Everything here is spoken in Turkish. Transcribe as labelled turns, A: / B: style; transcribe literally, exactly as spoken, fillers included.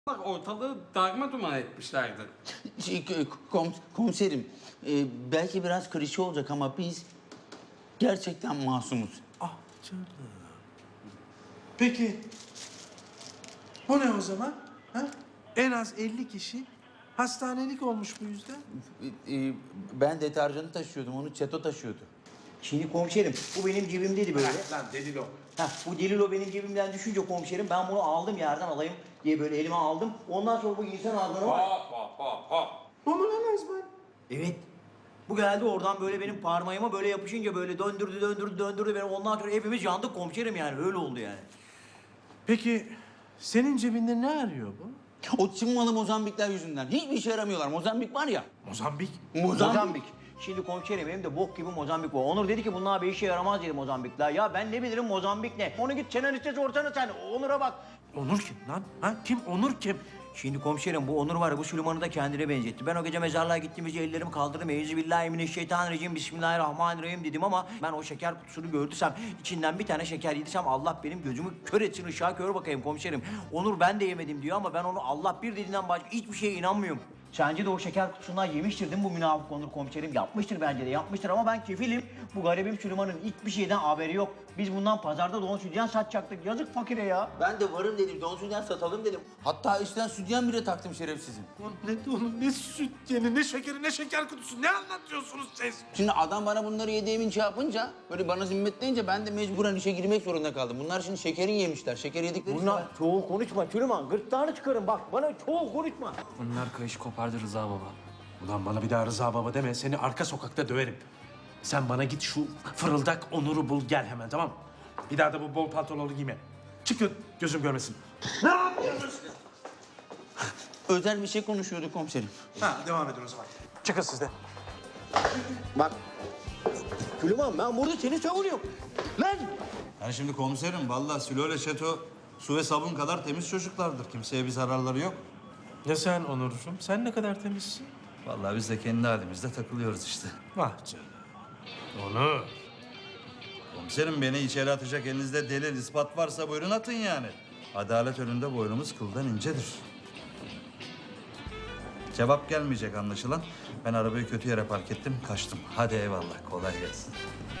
A: Bak ortalığı darma duman etmişlerdi.
B: Şey, kom, komiserim, e, belki biraz klişe olacak ama biz gerçekten masumuz.
C: Ah canım. Peki, bu ne o zaman? Ha? En az elli kişi hastanelik olmuş bu yüzden.
B: E, e, ben deterjanı taşıyordum, onu çeto taşıyordu.
D: Şimdi komiserim bu benim cebimdeydi böyle.
C: Lan delil o.
D: Heh, bu delil o benim cebimden düşünce komiserim ben bunu aldım yerden alayım diye böyle elime aldım. Ondan sonra bu insan ağzına var.
A: Hop hop hop hop.
C: Bu mu lan Azman?
D: Evet. Bu geldi oradan böyle benim parmağıma böyle yapışınca böyle döndürdü döndürdü döndürdü beni. Ondan sonra hepimiz yandık komiserim yani öyle oldu yani.
C: Peki, senin cebinde ne arıyor bu?
B: O Çin malı Mozambikler yüzünden. Hiçbir işe yaramıyorlar. Mozambik var ya.
C: Mozambik.
B: Mozambik.
D: Mozambik. Şimdi komiserim benim de bok gibi Mozambik var. Onur dedi ki bunlar bir işe yaramaz dedi Mozambikler. Ya ben ne bilirim Mozambik ne? Onu git senariste sorsana sen. Onur'a bak.
C: Onur kim lan? Ha? Kim? Onur kim?
D: Şimdi komiserim bu Onur var ya bu Süleyman'ı da kendine benzetti. Ben o gece mezarlığa gittiğimizde ellerimi kaldırdım. Euzubillahimineşşeytanirracim, bismillahirrahmanirrahim dedim ama ben o şeker kutusunu gördüysem, içinden bir tane şeker yediysem Allah benim gözümü kör etsin, ışığa kör bakayım komiserim. Onur ben de yemedim diyor ama ben onu Allah bir dediğinden başka hiçbir şeye inanmıyorum. Sence de o şeker kutusundan yemiştir değil mi bu münafık Onur komiserim? Yapmıştır bence de yapmıştır ama ben kefilim. Bu garibim Süleyman'ın hiçbir şeyden haberi yok. Biz bundan pazarda don sütyen satacaktık. Yazık fakire ya.
B: Ben de varım dedim, don sütyen satalım dedim. Hatta üstten sütyen bile taktım şerefsizim.
C: Lan ne onun ne süt yeni, ne şekeri, ne şeker kutusu. Ne anlatıyorsunuz siz?
B: Şimdi adam bana bunları yediğimin şey yapınca, böyle bana zimmetleyince ben de mecburen işe girmek zorunda kaldım. Bunlar şimdi şekerin yemişler, şeker yedikleri için...
D: Bunlar çoğul konuşma Süleyman. Gırtlağını çıkarın bak. Bana çoğul konuşma.
E: Bunlar kayış kopardı Rıza baba.
C: Ulan bana bir daha Rıza baba deme. Seni arka sokakta döverim. Sen bana git şu fırıldak Onur'u bul gel hemen tamam mı? Bir daha da bu bol pantolonu giyme. Çıkın gözüm görmesin. Ne yapıyorsunuz?
B: Özel bir şey konuşuyorduk komiserim.
C: Ha devam edin o zaman. Çıkın siz de.
D: Bak. Süleyman ben burada seni savunuyorum. Lan!
F: Yani şimdi komiserim, vallahi Sülo ile Şeto su ve sabun kadar temiz çocuklardır. Kimseye bir zararları yok.
C: Ya sen Onurcuğum? Sen ne kadar temizsin?
F: Vallahi biz de kendi halimizde takılıyoruz işte.
C: Vah canım. Onur.
F: Komiserim, beni içeri atacak elinizde delil, ispat varsa buyurun atın yani. Adalet önünde boynumuz kıldan incedir. Cevap gelmeyecek anlaşılan. Ben arabayı kötü yere park ettim, kaçtım. Hadi eyvallah, kolay gelsin.